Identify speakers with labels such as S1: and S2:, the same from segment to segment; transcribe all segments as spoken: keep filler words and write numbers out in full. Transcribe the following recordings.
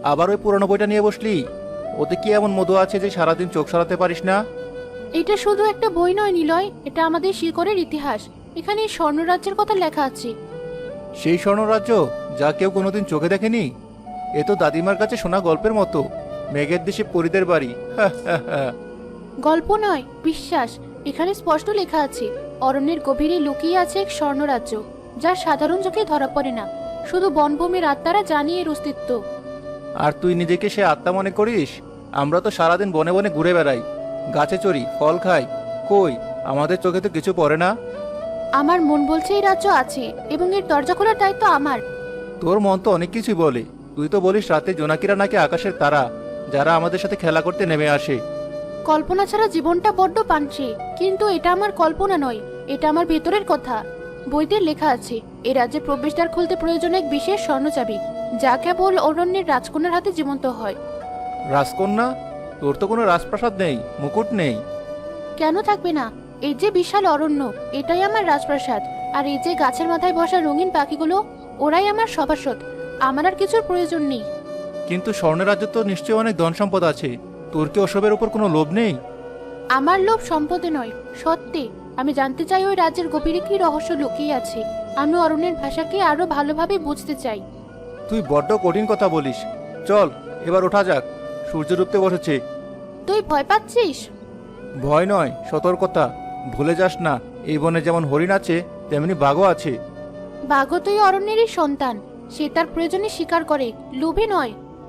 S1: আবার ওই পুরনো বইটা নিয়ে বসলি? ওতে কি এমন মধু আছে যে সারাদিন চোখ সরাতে পারিস না?
S2: এটা শুধু একটা বই নয় নিলয়, এটা আমাদের শিকড়ের ইতিহাস। এখানে এই স্বর্ণরাজ্যের কথা লেখা আছে।
S1: সেই স্বর্ণরাজ্য যা কেউ কোনোদিন চোখে দেখেনি? এ তো দাদিমার কাছে শোনা গল্পের মতো। মেঘের দেশে পরীদের বাড়ি। হা হা হা।
S2: গল্প নয়, বিশ্বাস। এখানে স্পষ্ট লেখা আছে, অরণ্যের গভীরে লুকিয়ে আছে এক স্বর্ণরাজ্য, যা সাধারণ চোখে ধরা পড়ে না। শুধু বনভূমির আত্মারা জানে এর অস্তিত্ব।
S1: আর তুই নিজেকে সে আত্মা মনে করিস? আমরা তো সারাদিন বনে বনে ঘুরে বেড়াই, গাছে চড়ি, ফল খাই। কই, আমাদের চোখে তো কিছু পড়ে না।
S2: আমার মন বলছে এই রাজ্য আছে, এবং এর দরজা খোলার দায়িত্ব আমার।
S1: তোর মন তো অনেক কিছুই বলে। তুই তো বলিস রাতে জোনাকিরা নাকি আকাশের তারা, যারা আমাদের সাথে খেলা করতে নেমে আসে।
S2: কল্পনা ছাড়া জীবনটা বড্ড পানছে, কিন্তু এটা আমার কল্পনা নয়, এটা আমার ভেতরের কথা। বইতে লেখা আছে, এই রাজ্যের প্রবেশদ্বার খুলতে প্রয়োজন এক বিশেষ স্বর্ণচাবি, যা কেবল অরণ্যের রাজকন্যার হাতে জীবন্ত হয়।
S1: রাজকন্যা? তোর তো কোনো রাজপ্রাসাদ নেই, মুকুট নেই।
S2: কেন থাকবে না? এই যে বিশাল অরণ্য, এটাই আমার রাজপ্রাসাদ। আর এই যে গাছের মাথায় বসা রঙিন পাখিগুলো, ওরাই আমার সভাসদ। আমার আর কিছুর প্রয়োজন নেই।
S1: কিন্তু স্বর্ণের রাজ্যে তো নিশ্চয়ই অনেক ধন সম্পদ আছে। তোর কি ওসবের উপর কোনো লোভ নেই?
S2: আমার লোভ সম্পদে নয়, সত্যি। আমি জানতে চাই ওই রাজ্যের গভীরে কি রহস্য লুকিয়ে আছে। আমি অরণ্যের ভাষাকে আরো ভালোভাবে বুঝতে চাই।
S1: তুই বড্ড কঠিন কথা বলিস। চল, এবার ওঠা যাক। সূর্য ডুবতে বসেছে।
S2: তুই ভয় পাচ্ছিস?
S1: ভয় নয়, সতর্কতা। ভুলে যাস না, এই বনে যেমন হরিণ আছে তেমনি বাঘও আছে।
S2: বাঘও তুই অরণ্যেরই সন্তান। সে তার প্রয়োজনে শিকার করে, লোভে নয়।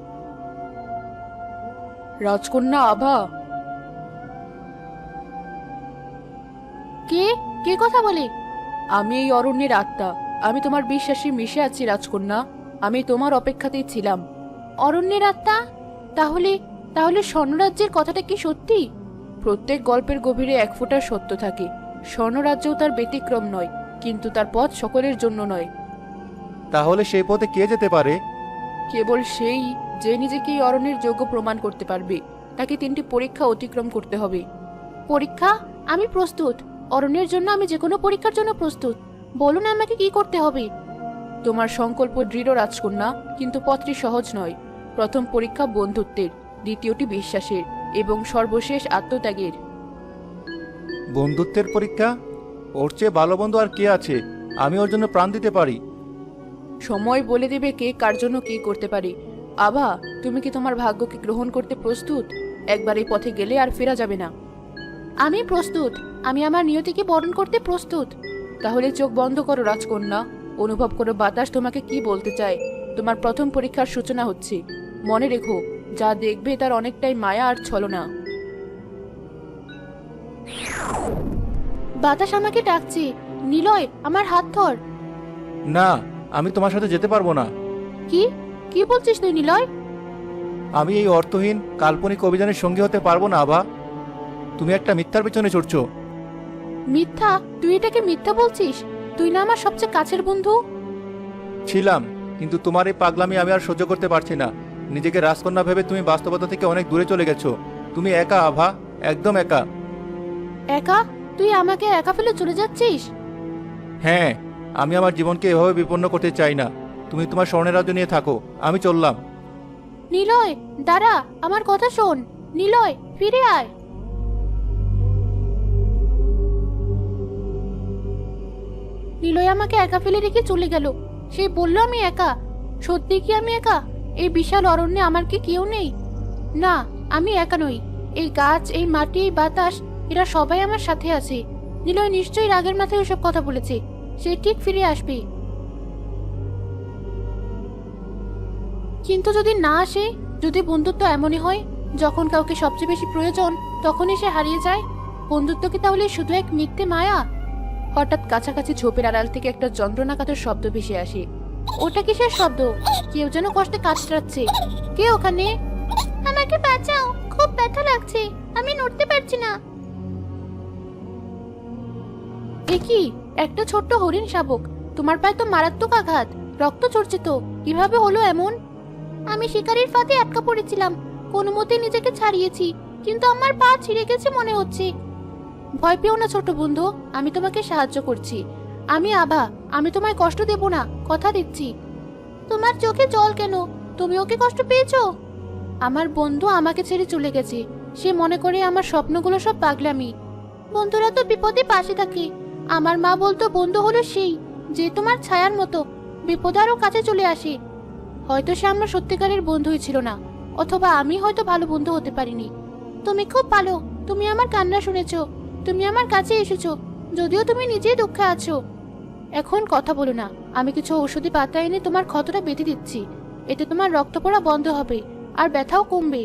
S3: রাজকন্যা আভা।
S2: কে কে কথা বলে?
S3: আমি এই অরণ্যের আত্মা। আমি তোমার বিশ্বাসে মিশে আছি রাজকন্যা। আমি তোমার অপেক্ষাতেই ছিলাম।
S2: অরণ্যের আত্মা? তাহলে তাহলে স্বর্ণরাজ্যের কথাটা কি সত্যি?
S3: প্রত্যেক গল্পের গভীরে এক ফোঁটা সত্য থাকে। স্বর্ণরাজ্যও তার ব্যতিক্রম নয়, কিন্তু তার পথ সকলের জন্য নয়।
S1: তাহলে সেই পথে কে যেতে পারে?
S3: কেবল সেই যে নিজেকে এই অরণ্যের যোগ্য প্রমাণ করতে পারবে। তাকে তিনটি পরীক্ষা অতিক্রম করতে হবে।
S2: পরীক্ষা? আমি প্রস্তুত। অরণ্যের জন্য আমি যে কোনো পরীক্ষার জন্য প্রস্তুত। বলুন আমাকে কি করতে হবে।
S3: তোমার সংকল্প দৃঢ় রাজকন্যা, কিন্তু পথটি সহজ নয়। প্রথম পরীক্ষা বন্ধুত্বের, দ্বিতীয়টি বিশ্বাসের, এবং সর্বশেষ আত্মত্যাগের।
S1: বন্ধুত্বের পরীক্ষা? ওর চেয়ে ভালো বন্ধু আর কে আছে? আমি ওর জন্য প্রাণ দিতে পারি।
S3: সময় বলে দেবে কে কার জন্য কি করতে পারে। আভা, তুমি কি তোমার ভাগ্যকে গ্রহণ করতে প্রস্তুত? একবার এই পথে গেলে আর ফেরা যাবে না।
S2: আমি প্রস্তুত। আমি আমার নিয়তিকে বরণ করতে প্রস্তুত।
S3: তাহলে চোখ বন্ধ করো রাজকন্যা। অনুভব করো বাতাস তোমাকে কি বলতে চায়। তোমার প্রথম পরীক্ষার সূচনা হচ্ছে। মনে রেখো, যা দেখবে তার অনেকটাই মায়া আর ছলনা।
S2: বাতাস আমাকে ডাকছে। নিলয়, আমার হাত ধর।
S1: না, আমি তোমার সাথে যেতে পারবো না।
S2: কি কি বলছিস তুই নিলয়?
S1: আমি এই অর্থহীন কাল্পনিক অভিযানের সঙ্গী হতে পারবো না আভা। তুমি একটা মিথ্যার পেছনে ছুটছো।
S2: মিথ্যা? তুই এটাকে মিথ্যা বলছিস? তুই না আমার সবচেয়ে কাছের বন্ধু।
S1: ছিলাম, কিন্তু তোমার এই পাগলামি আমি আর সহ্য করতে পারছি না। নিজেকে রাজকন্যা ভেবে তুমি বাস্তবতা থেকে অনেক দূরে চলে গেছো। তুমি একা আভা, একদম একা।
S2: একা? তুই আমাকে একা ফেলে চলে যাচ্ছিস?
S1: হ্যাঁ, আমি আমার জীবনকে এভাবে বিপন্ন করতে চাই না। তুমি তোমার স্বর্ণের রাজ্য নিয়ে থাকো, আমি চললাম।
S2: নিলয়, দাঁড়া, আমার কথা শোন। নিলয়, ফিরে আয়। নিলয় আমাকে একা ফেলে রেখে চলে গেল। সে বলল আমি একা। সত্যি কি আমি একা? এই বিশাল অরণ্যে আমার কি কেউ নেই? না, আমি একা নই। এই গাছ, এই মাটি, এই বাতাস, এরা সবাই আমার সাথে আছে। নিলয় নিশ্চয়ই রাগের মাথায় ওসব কথা বলেছে। সে ঠিক ফিরে আসবে। কিন্তু যদি না আসে, যদি বন্ধুত্ব এমনই হয়, যখন কাউকে সবচেয়ে বেশি প্রয়োজন তখনই সে হারিয়ে যায়, বন্ধুত্ব কি তাহলে শুধু এক মিথ্যে মায়া?
S3: হঠাৎ কাছাকাছি ঝোপের আড়াল থেকে একটা যন্ত্রণাকাতর শব্দ ভেসে আসে।
S2: ওটা কিসের শব্দ? কেউ যেন কষ্টে কাতরাচ্ছে। কে ওখানে? আমাকে বাঁচাও, খুব ব্যথা লাগছে, আমি নড়তে পারছি না। এ কি? একটা ছোট্ট হরিণ শাবক। তোমার পায়ে তো মারাত্মক আঘাত, রক্ত ঝরছে তো। কিভাবে হলো এমন? আমি শিকারীর ফাঁদে আটকা পড়েছিলাম, কোনো মতে নিজেকে ছাড়িয়েছি, কিন্তু আমার পা ছিঁড়ে গেছে মনে হচ্ছে। ভয় পেও না ছোট বন্ধু, আমি তোমাকে সাহায্য করছি। আমি আভা, আমি তোমায় কষ্ট দেব না, কথা দিচ্ছি। তোমার চোখে জল কেন? তুমিও কি কষ্ট পেয়েছো? আমার বন্ধু আমাকে ছেড়ে চলে গেছে। সে মনে করে আমার স্বপ্নগুলো সব পাগলামি। বন্ধুরা তো বিপদে পাশে থাকে। আমার মা বলতো বন্ধু হলো সেই যে তোমার ছায়ার মতো বিপদে আরো কাছে চলে আসে। হয়তো সে আমার সত্যিকারের বন্ধুই ছিল না, অথবা আমি হয়তো ভালো বন্ধু হতে পারিনি। তুমি খুব ভালো। তুমি আমার কান্না শুনেছো, তুমি আমার কাছে এসেছো, যদিও তুমি নিজেই দুঃখে আছো। এখন কথা বলো না। আমি কিছু ঔষধি পাতা এনে তোমার ক্ষতটা বেঁধে দিচ্ছি। এতে তোমার রক্ত পড়া বন্ধ হবে আর ব্যথাও কমবে।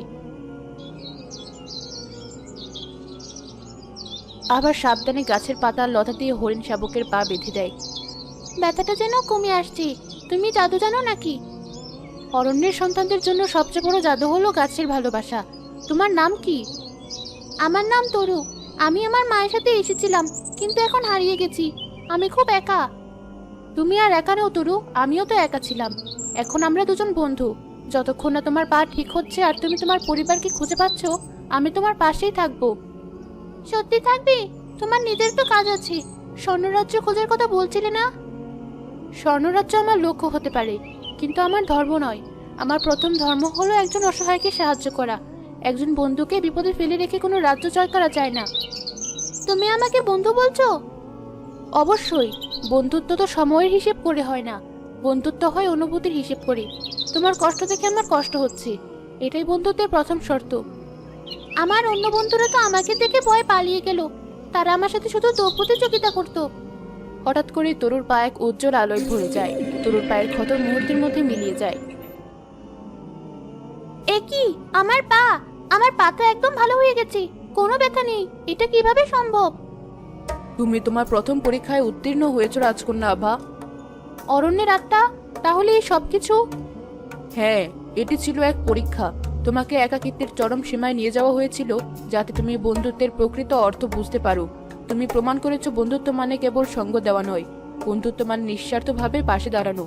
S2: আবার সাবধানে গাছের পাতা লতা দিয়ে হরিণ শাবকের পা বেঁধে দেয়। ব্যথাটা যেন কমে আসছে। তুমি জাদু জানো নাকি? অরণ্যের সন্তানদের জন্য সবচেয়ে বড় জাদু হলো গাছের ভালোবাসা। তোমার নাম কি? আমার নাম তরু। আমি আমার মায়ের সাথে এসেছিলাম, কিন্তু এখন হারিয়ে গেছি। আমি খুব একা। তুমি আর একা নও তরু, আমিও তো একা ছিলাম। এখন আমরা দুজন বন্ধু। যতক্ষণ না তোমার পা ঠিক হচ্ছে আর তুমি তোমার পরিবারকে খুঁজে পাচ্ছ, আমি তোমার পাশেই থাকবো। সত্যি থাকবে? তোমার নিজের তো কাজ আছে। স্বর্ণরাজ্য খোঁজার কথা বলছিলে না? স্বর্ণরাজ্য আমার লক্ষ্য হতে পারে, কিন্তু আমার ধর্ম নয়। আমার প্রথম ধর্ম হলো একজন অসহায়কে সাহায্য করা। একজন বন্ধুকে বিপদে ফেলে রেখে কোনো রাজ্য জয় করা যায় না। তুমি আমাকে বন্ধু বলছো? অবশ্যই। বন্ধুত্ব তো সময়ের হিসেব করে হয় না, বন্ধুত্ব হয় অনুভূতির হিসেব করে। তোমার কষ্ট দেখে আমার কষ্ট হচ্ছে, এটাই বন্ধুত্বের প্রথম শর্ত। আমার অন্য বন্ধুরা তো আমাকে দেখে ভয় পালিয়ে গেল। তারা আমার সাথে শুধু দৌড় প্রতিযোগিতা করতো।
S3: হঠাৎ করে তরুর পা এক উজ্জ্বল আলোয় ভরে যায়। তরুর পায়ের ক্ষত মুহূর্তের মধ্যে মিলিয়ে যায়।
S2: এ কি? আমার পা! আমার পা তো একদম ভালো হয়ে গেছে, কোনো ব্যথা নেই। এটা কিভাবে সম্ভব?
S3: তুমি তোমার প্রথম পরীক্ষায় উত্তীর্ণ হয়েছো রাজকন্যা আভা।
S2: অরণ্যের আত্মা? তাহলে এই সবকিছু?
S3: হ্যাঁ, এটি ছিল এক পরীক্ষা। তোমাকে একাকিত্বের চরম সীমায় নিয়ে যাওয়া হয়েছিল, যাতে তুমি বন্ধুত্বের প্রকৃত অর্থ বুঝতে পারো। তুমি প্রমাণ করেছো বন্ধুত্ব মানে কেবল সঙ্গ দেওয়া নয়, বন্ধুত্ব মানে নিঃস্বার্থভাবে পাশে দাঁড়ানো।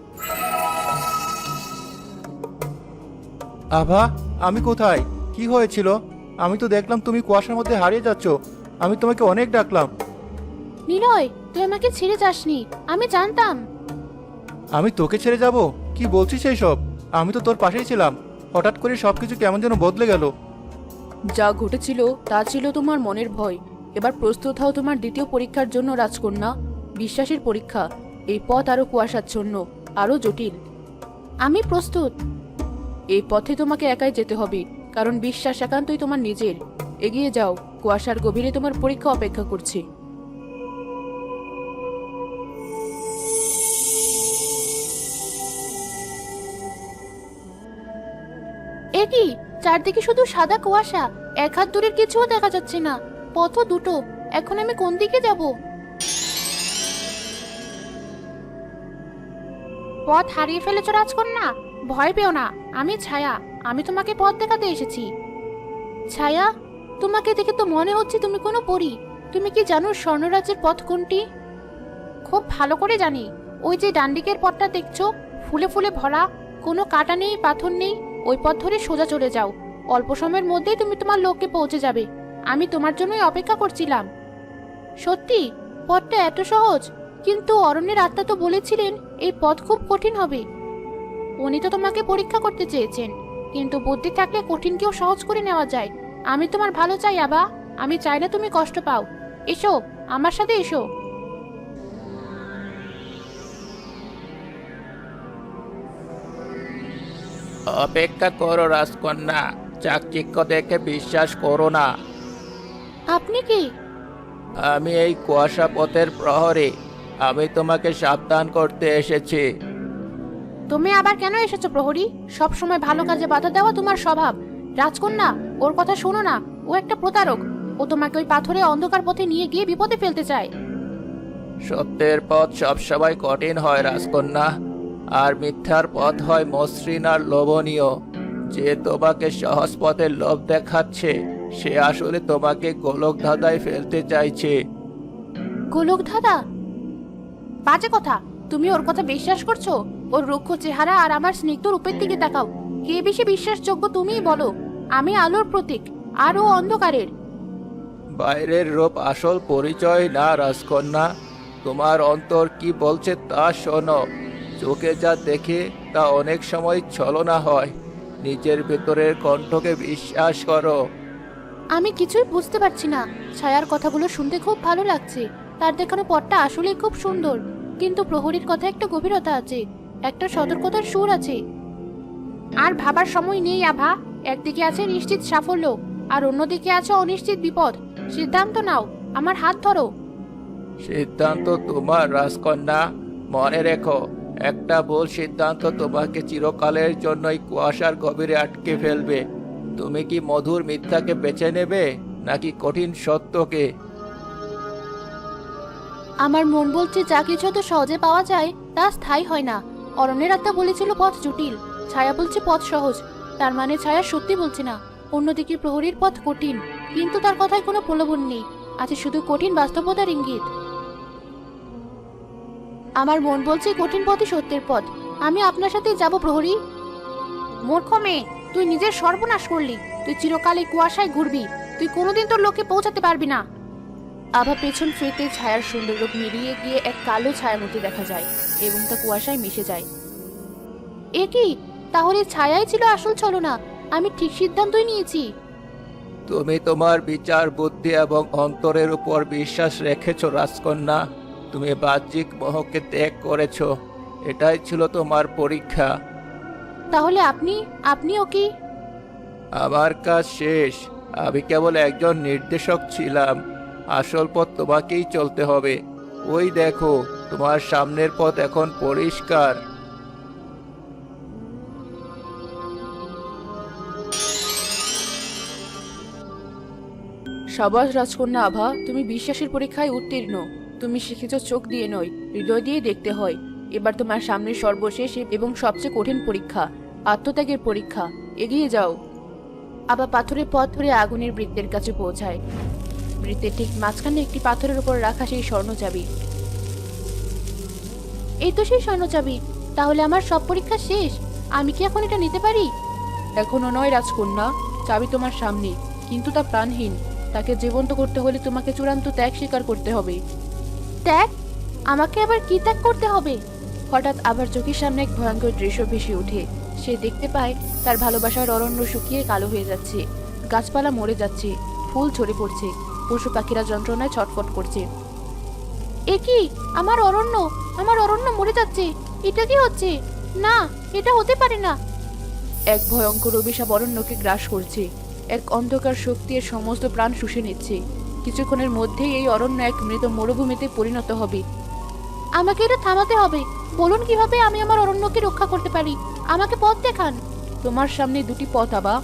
S1: আভা, আমি কোথায়? কি হয়েছিল? আমি তো দেখলাম তুমি কুয়াশার মধ্যে হারিয়ে যাচ্ছ। আমি তোমাকে অনেক ডাকলাম।
S2: নিলয়, তুই আমাকে ছেড়ে যাসনি। আমি জানতাম।
S1: আমি তোকে ছেড়ে যাব? কি বলছিস সেই সব? আমি তো তোর পাশেই ছিলাম। হঠাৎ করে সবকিছু কেমন যেন বদলে গেল।
S3: যা ঘটেছিল তা ছিল তোমার মনের ভয়। এবার প্রস্তুত হও তোমার দ্বিতীয় পরীক্ষার জন্য রাজকন্যা, বিশ্বাসের পরীক্ষা। এই পথ আরো কুয়াশাচ্ছন্ন, আরো জটিল।
S2: আমি প্রস্তুত।
S3: এই পথে তোমাকে একাই যেতে হবে, কারণ বিশ্বাস একান্তই তোমার নিজের। এগিয়ে যাও, কুয়াশার গভীরে তোমার পরীক্ষা অপেক্ষা করছে।
S2: এ কি? চারদিকে শুধু সাদা কুয়াশা, এক হাত দূরের কিছুও দেখা যাচ্ছে না। পথ দুটো, এখন আমি কোন দিকে যাব? পথ হারিয়ে ফেলেছ রাজকন্যা? ভয় পেও না, আমি ছায়া। আমি তোমাকে পথ দেখাতে এসেছি। ছায়া? তোমাকে দেখে তো মনে হচ্ছে তুমি কোনো পরী। তুমি কি জানো স্বর্ণরাজ্যের পথ কোনটি? খুব ভালো করে জানি। ওই যে ডানদিকের পথটা দেখছো, ফুলে ফুলে ভরা, কোনো কাটা নেই, পাথর নেই। ওই পথ ধরে সোজা চলে যাও। অল্প সময়ের মধ্যেই তুমি তোমার লক্ষ্যে পৌঁছে যাবে। আমি তোমার জন্যই অপেক্ষা করছিলাম। সত্যি? পথটা এত সহজ? কিন্তু অরণ্যের আত্মা তো বলেছিলেন এই পথ খুব কঠিন হবে। উনি তো তোমাকে পরীক্ষা করতে চেয়েছেন, কিন্তু বুদ্ধি থাকলে কঠিনকেও সহজ করে নেওয়া যায়। আমি তোমার ভালো চাই আবা। আমি চাই না তুমি কষ্ট পাও। এসো, আমার সাথে এসো।
S4: অপেক্ষা করো রাজকন্যা, চাকচিক্য দেখে বিশ্বাস করো না।
S2: আপনি কি?
S4: আমি এই কুয়াশা পথের প্রহরী। আমি তোমাকে সাবধান করতে এসেছি।
S2: তুমি আবার কেন এসেছো প্রহরী? সব সময় ভালো কাজে বাধা দেওয়া তোমার স্বভাব। রাজকন্যা, ওর কথা শোনো না। ও একটা প্রতারক। ও তোমাকে ওই পাথরে অন্ধকার পথে নিয়ে গিয়ে বিপদে ফেলতে চায়।
S4: সত্যের পথ সবসময় কঠিন হয় রাজকন্যা, আর মিথ্যার পথ হয় মসৃণ আর লোভনীয়। যে তোমাকে সহজ পথের লোভ দেখাচ্ছে, সে আসলে তোমাকে গোলক ধাঁধায় ফেলতে চাইছে।
S2: গোলক ধাঁধা? বাজে কথা। তুমি ওর কথা বিশ্বাস করছো? ওর রুক্ষ চেহারা আর আমার স্নিগ্ধ রূপের দিকে তাকাও। কে বেশি বিশ্বাসযোগ্য তুমিই বলো। আমি আলোর প্রতীক, আর ও অন্ধকারের।
S4: বাইরের রূপ আসল পরিচয় না রাজকন্যা। তোমার অন্তর কি বলছে তা শোনো। চোখে যা দেখে তা অনেক সময় ছলনা হয়। নিজের ভেতরের কণ্ঠকে বিশ্বাস করো।
S2: আমি কিছুই বুঝতে পারছি না। ছায়ার কথাগুলো শুনতে খুব ভালো লাগছে, তার দেখানো পথটা আসলেই খুব সুন্দর, কিন্তু প্রহরীর কথা একটা গভীরতা আছে, একটা সতর্কতার সুর আছে। আর ভাবার সময় নেই আভা। একদিকে আছে নিশ্চিত সাফল্য, আর অন্যদিকে আছে অনিশ্চিত বিপদ। সিদ্ধান্ত নাও, আমার হাত ধরো।
S4: সিদ্ধান্ত তোমার রাজকন্যা। মনে রেখো, একটা ভুল সিদ্ধান্ত তোমাকে চিরকালের জন্যই কুয়াশার গভীরে আটকে ফেলবে। তুমি কি মধুর মিথ্যাকে বেছে নেবে নাকি কঠিন সত্যকে?
S2: আমার মন বলছে যা কিছু তো সহজে পাওয়া যায় তা স্থায়ী হয় না। অরণ্যের আত্মা বলেছিল পথ জটিল, ছায়া বলছে পথ সহজ। তার মানে ছায়া সত্যি বলছে না। অন্যদিকে প্রহরীর পথ কঠিন, কিন্তু তার কথায় কোনো প্রলোভন নেই, আছে শুধু কঠিন বাস্তবতার ইঙ্গিত। আমার মন বলছে কঠিন পথই সত্যের পথ। আমি আপনার সাথে যাব প্রহরী। মূর্খ মেয়ে, তুই নিজের সর্বনাশ করলি। তুই চিরকাল এই কুয়াশায় ঘুরবি, তুই কোনোদিন তোর লক্ষ্যে পৌঁছাতে পারবি না। আভা পেছন ফিরতে ছায়ার সুন্দর রূপ মিলিয়ে গিয়ে এক কালো ছায়ামূর্তি দেখা যায় এবং তা কুয়াশায় মিশে যায়। এ কি? তাহলে ছায়াই ছিল আসল ছলনা। আমি ঠিক সিদ্ধান্তই নিয়েছি।
S4: তুমি তোমার বিচার বুদ্ধি এবং অন্তরের উপর বিশ্বাস রেখেছো রাজকন্যা। তুমি বাহ্যিক মোহকে ত্যাগ করেছো। এটাই ছিল তোমার পরীক্ষা।
S2: তাহলে আপনি আপনিও কি?
S4: আমার কাজ শেষ। আমি কেবল একজন নির্দেশক ছিলাম। আসল পথ তোমাকেই চলতে হবে। ওই দেখো, তোমার সামনের পথ এখন পরিষ্কার।
S3: সাবাস রাজকন্যা আভা, তুমি বিশ্বাসের পরীক্ষায় উত্তীর্ণ। তুমি শিখেছ চোখ দিয়ে নয়, হৃদয় দিয়ে দেখতে হয়। এবার তোমার সামনে সর্বশেষ এবং সবচেয়ে কঠিন পরীক্ষা, আত্মত্যাগের পরীক্ষা। এগিয়ে যাও। আবার পাথরের পথ ধরে আগুনের বৃত্তের কাছে পৌঁছায়। বৃত্তের ঠিক মাঝখানে একটি পাথরের উপর রাখা সেই স্বর্ণ চাবি।
S2: এই তো সেই স্বর্ণ চাবি। তাহলে আমার সব পরীক্ষা শেষ। আমি কি এখন এটা নিতে পারি?
S3: এখনো নয় রাজকন্যা, চাবি তোমার সামনে, কিন্তু তা প্রাণহীন। তাকে জীবন্ত করতে হলে তোমাকে চূড়ান্ত ত্যাগ স্বীকার করতে হবে।
S2: ত্যাগ? আমাকে আবার কি ত্যাগ করতে হবে?
S3: হঠাৎ আবার চোখের সামনে এক ভয়ঙ্কর দৃশ্য ভেসে ওঠে। সে দেখতে পায় তার ভালোবাসার অরণ্য শুকিয়ে কালো হয়ে যাচ্ছে, গাছপালা মরে যাচ্ছে, ফুল ঝরে পড়ছে, পশু পাখিরা যন্ত্রণায় ছটফট করছে।
S2: এ কি? আমার অরণ্য, আমার অরণ্য মরে যাচ্ছে। এটা কি হচ্ছে? না, এটা হতে পারে না।
S3: এক ভয়ঙ্কর অভিশাপ অরণ্যকে গ্রাস করছে। এক অন্ধকার শক্তি এর সমস্ত প্রাণ শুষে নিচ্ছে। কিছুক্ষণের মধ্যেই এই অরণ্য এক মৃত মরুভূমিতে পরিণত হবে।
S2: আমাকে এটা থামাতে হবে। বলুন কিভাবে আমি আমার অরণ্যকে রক্ষা করতে পারি। আমাকে পথ দেখান।
S3: তোমার সামনে দুটি পথ আবা।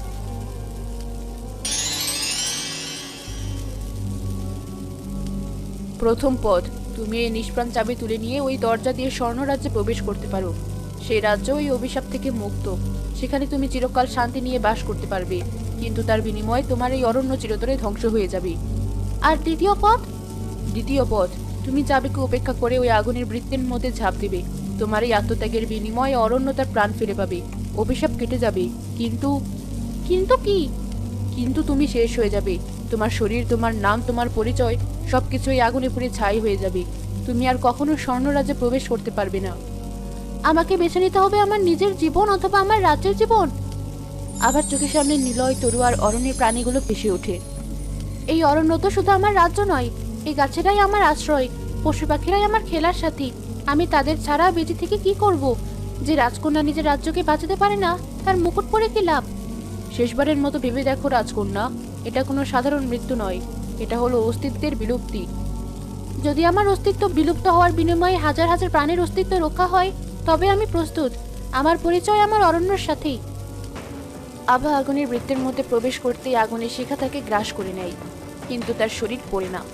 S3: প্রথম পথ, তুমি এই নিষ্প্রাণ চাবি তুলে নিয়ে ওই দরজা দিয়ে স্বর্ণরাজ্যে প্রবেশ করতে পারো। সেই রাজ্য ওই অভিশাপ থেকে মুক্ত। সেখানে তুমি চিরকাল শান্তি নিয়ে বাস করতে পারবে, কিন্তু তার বিনিময়ে তোমার এই অরণ্য চিরতরে ধ্বংস হয়ে যাবে।
S2: আর দ্বিতীয় পথ?
S3: দ্বিতীয় পথ, তুমি চাবিকে উপেক্ষা করে ওই আগুনের বৃত্তের মধ্যে ঝাঁপ দেবে। তোমার এই আত্মত্যাগের বিনিময়ে অরণ্য তার প্রাণ ফিরে পাবে, অভিশাপ কেটে যাবে। কিন্তু
S2: কিন্তু কি?
S3: কিন্তু তুমি শেষ হয়ে যাবে। তোমার শরীর, তোমার নাম, তোমার পরিচয় সবকিছু এই আগুনে পুড়ে ছাই হয়ে যাবে। তুমি আর কখনো স্বর্ণরাজ্যে প্রবেশ করতে পারবে না।
S2: আমাকে বেছে নিতে হবে আমার নিজের জীবন অথবা আমার রাজ্যের জীবন।
S3: আবার চোখের সামনে নিলয়, তরু আর অরণ্যের প্রাণীগুলো ভেসে ওঠে।
S2: এই অরণ্য তো শুধু আমার রাজ্য নয়, এই গাছেরাই আমার আশ্রয়, পশু পাখিরাই আমার খেলার সাথী। আমি তাদের ছাড়া বেঁচে থেকে কি করব? যে রাজকন্যা নিজের রাজ্যকে বাঁচাতে পারে না, তার মুকুট পরে কি লাভ?
S3: শেষবারের মতো ভেবে দেখো রাজকন্যা, এটা কোনো সাধারণ মৃত্যু নয়, এটা হলো অস্তিত্বের বিলুপ্তি।
S2: যদি আমার অস্তিত্ব বিলুপ্ত হওয়ার বিনিময়ে হাজার হাজার প্রাণের অস্তিত্ব রক্ষা হয়, তবে আমি প্রস্তুত। আমার পরিচয় আমার অরণ্যের সাথেই।
S3: আভা আগুনের বৃত্তের মধ্যে প্রবেশ করতেই আগুনের শিখা তাকে গ্রাস করে নেয়, কিন্তু তার শরীর পড়ে না।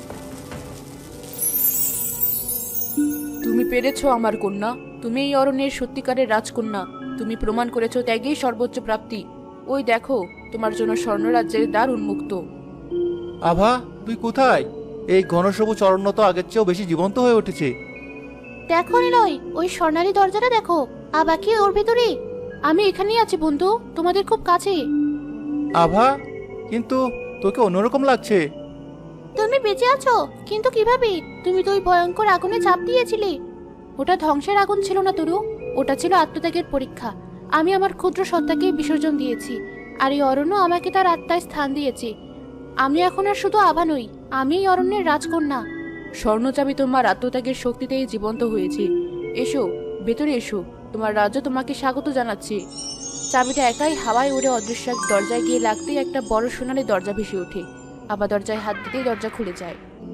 S3: তুমি পেরেছো আমার কন্যা, তুমি এই অরণ্যের সত্যিকারের রাজকন্যা। তুমি প্রমাণ করেছো ত্যাগেই সর্বোচ্চ প্রাপ্তি। ওই দেখো, তোমার জন্য স্বর্ণরাজ্যের দ্বার উন্মুক্ত।
S1: আভা, তুই কোথায়? এই ঘনসবুজ অরণ্য তো আগের চেয়েও বেশি জীবন্ত হয়ে উঠেছে।
S2: দেখো নিলয়, ওই স্বর্ণালী দরজাটা দেখো। আবা কি ওর ভেতরে? আমি এখানেই আছি বন্ধু, তোমাদের খুব কাছে।
S1: আভা, কিন্তু তোকে অন্যরকম লাগছে।
S2: তুমি বেঁচে আছো, কিন্তু কিভাবে? তুমি তো ওই ভয়ঙ্কর আগুনে ঝাঁপ দিয়েছিলে। ওটা ধ্বংসের আগুন ছিল না তরু, ওটা ছিল আত্মত্যাগের পরীক্ষা। আমি আমার ক্ষুদ্র সত্তাকে বিসর্জন দিয়েছি, আর এই অরণ্য আমাকে তার আত্মায় স্থান দিয়েছে। আমি এখন আর শুধু আভা নই, আমি এই অরণ্যের রাজকন্যা।
S3: স্বর্ণচাবি তোমার আত্মত্যাগের শক্তিতেই জীবন্ত হয়েছে। এসো, ভেতরে এসো, তোমার রাজ্য তোমাকে স্বাগত জানাচ্ছে। চাবিটা একাই হাওয়ায় উড়ে অদৃশ্য এক দরজায় গিয়ে লাগতেই একটা বড় সোনালি দরজা ভেসে ওঠে। আবার দরজায় হাত দিতেই দরজা খুলে যায়।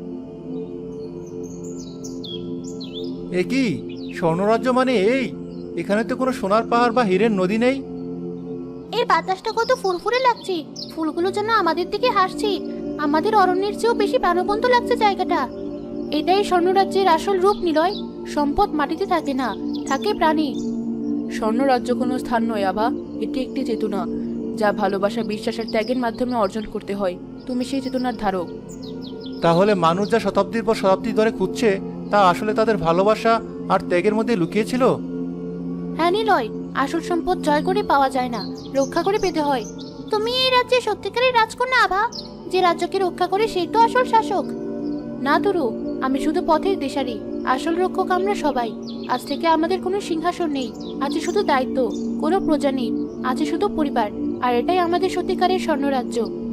S1: এ কি স্বর্ণরাজ্য মানে এই? এখানে তো কোনো সোনার পাহাড় বা হীরের নদী নেই।
S2: এই বাতাসটা কত ফুরফুরে লাগছে, ফুলগুলো যেন আমাদের দিকে হাসছে। আমাদের অরণ্যের চেয়েও বেশি প্রাণবন্ত লাগছে জায়গাটা। এটাই স্বর্ণরাজ্যের আসল রূপ নিলয়। সম্পদ মাটিতে থাকে না, থাকে প্রাণী।
S3: স্বর্ণরাজ্য কোনো স্থান নয় আভা, এটি একটি চেতনা, যা ভালোবাসা, বিশ্বাস আর ত্যাগের মাধ্যমে অর্জন করতে হয়। তুমি সেই চেতনার ধারক।
S1: তাহলে মানুষ যা শতাব্দীর পর শতাব্দী ধরে খুঁজছে তা আসলে তাদের ভালোবাসা আর ত্যাগের মধ্যে লুকিয়েছিল।
S2: হ্যাঁ নিলয়, আসল সম্পদ জয় করে পাওয়া যায় না, রক্ষা করে পেতে হয়। তুমি এই রাজ্যে সত্যিকারের রাজকন্যা আভা। যে রাজ্যকে রক্ষা করে সেই তো আসল শাসক। না তরু, আমি শুধু পথের দিশারি, আসল রক্ষক আমরা সবাই। আজ থেকে আমাদের কোনো সিংহাসন নেই, আছে শুধু দায়িত্ব। কোনো প্রজা নেই, আছে শুধু পরিবার। আর এটাই আমাদের সত্যিকারের স্বর্ণরাজ্য।